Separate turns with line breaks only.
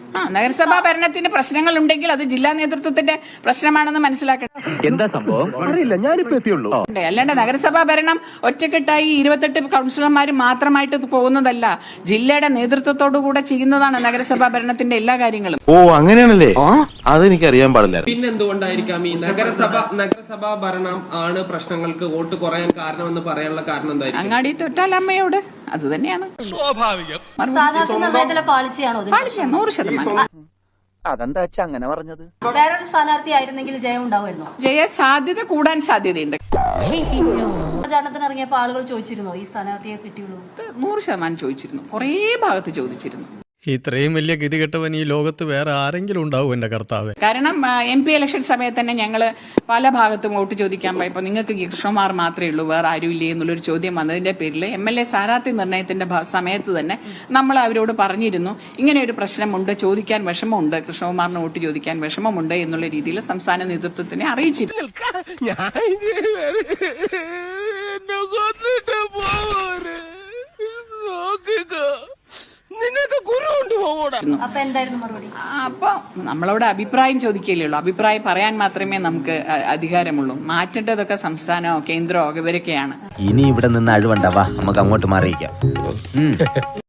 നഗരസഭാ ഭരണത്തിന് പ്രശ്നങ്ങൾ ഉണ്ടെങ്കിൽ അത് ജില്ലാ നേതൃത്വത്തിന്റെ പ്രശ്നമാണെന്ന് മനസ്സിലാക്കണം.
എന്താ സംഭവം അറിയില്ല, ഞാനിപ്പോ എത്തിയുള്ളൂ.
അല്ലാണ്ട് നഗരസഭാ ഭരണം ഒറ്റക്കെട്ടായി 28 കൗൺസിലർമാർ മാത്രമായിട്ട് പോകുന്നതല്ല, ജില്ലയുടെ നേതൃത്വത്തോടു കൂടെ ചെയ്യുന്നതാണ് നഗരസഭാ ഭരണത്തിന്റെ എല്ലാ കാര്യങ്ങളും.
ഓ അങ്ങനെയാണല്ലേ, അതെനിക്ക് അറിയാൻ പാടില്ല.
പിന്നെന്തുകൊണ്ടായിരിക്കാം ഈ നഗരസഭാ ഭരണം ആണ് പ്രശ്നങ്ങൾക്ക് വോട്ട് കുറയാൻ കാരണമെന്ന് പറയാനുള്ള കാരണം എന്തായിരിക്കും?
അങ്ങാടി തൊട്ടാൽ അമ്മയോട്, അത് തന്നെയാണ് സ്വാഭാവികം. 100%.
അതെന്താ അങ്ങനെ പറഞ്ഞത്?
വേറൊരു സ്ഥാനാർത്ഥി ആയിരുന്നെങ്കിൽ ജയം ഉണ്ടാവുമായിരുന്നു.
ജയ സാധ്യത കൂടാൻ സാധ്യതയുണ്ട്.
പ്രചാരണത്തിന് ഇറങ്ങിയപ്പോ ആളുകൾ ചോദിച്ചിരുന്നോ ഈ സ്ഥാനാർത്ഥിയെ കിട്ടിയുള്ളൂ?
100% ചോദിച്ചിരുന്നു, കുറേ ഭാഗത്ത് ചോദിച്ചിരുന്നു.
ഇത്രയും വലിയ ഗതികെട്ടവൻ ഈ ലോകത്ത് വേറെ ആരെങ്കിലും ഉണ്ടാവും എന്റെ കർത്താവേ.
കാരണം MP ഇലക്ഷൻ സമയത്ത് തന്നെ ഞങ്ങൾ പല ഭാഗത്തും വോട്ട് ചോദിക്കാൻ പോയപ്പോൾ നിങ്ങൾക്ക് കൃഷ്ണകുമാർ മാത്രമേ ഉള്ളൂ, വേറെ ആരും ഇല്ലേ എന്നുള്ളൊരു ചോദ്യം വന്നതിന്റെ പേരിൽ MLA സ്ഥാനാർത്ഥി നിർണയത്തിന്റെ സമയത്ത് തന്നെ നമ്മൾ അവരോട് പറഞ്ഞിരുന്നു, ഇങ്ങനെ ഒരു പ്രശ്നമുണ്ട്, ചോദിക്കാൻ വിഷമമുണ്ട്, കൃഷ്ണകുമാറിന് വോട്ട് ചോദിക്കാൻ വിഷമമുണ്ട് എന്നുള്ള രീതിയിൽ സംസ്ഥാന നേതൃത്വത്തിനെ അറിയിച്ചിരുന്നു. അപ്പൊ നമ്മളോട് അഭിപ്രായം ചോദിക്കുകയല്ലേ ഉള്ളൂ, അഭിപ്രായം പറയാൻ മാത്രമേ നമുക്ക് അധികാരമുള്ളൂ. മാറ്റേണ്ടതൊക്കെ സംസ്ഥാനമോ കേന്ദ്രമോ ഇവരൊക്കെയാണ്.
ഇനി ഇവിടെ നിന്ന് അഴിവണ്ടാവാ, നമുക്ക് അങ്ങോട്ട് മാറിയിക്കാം.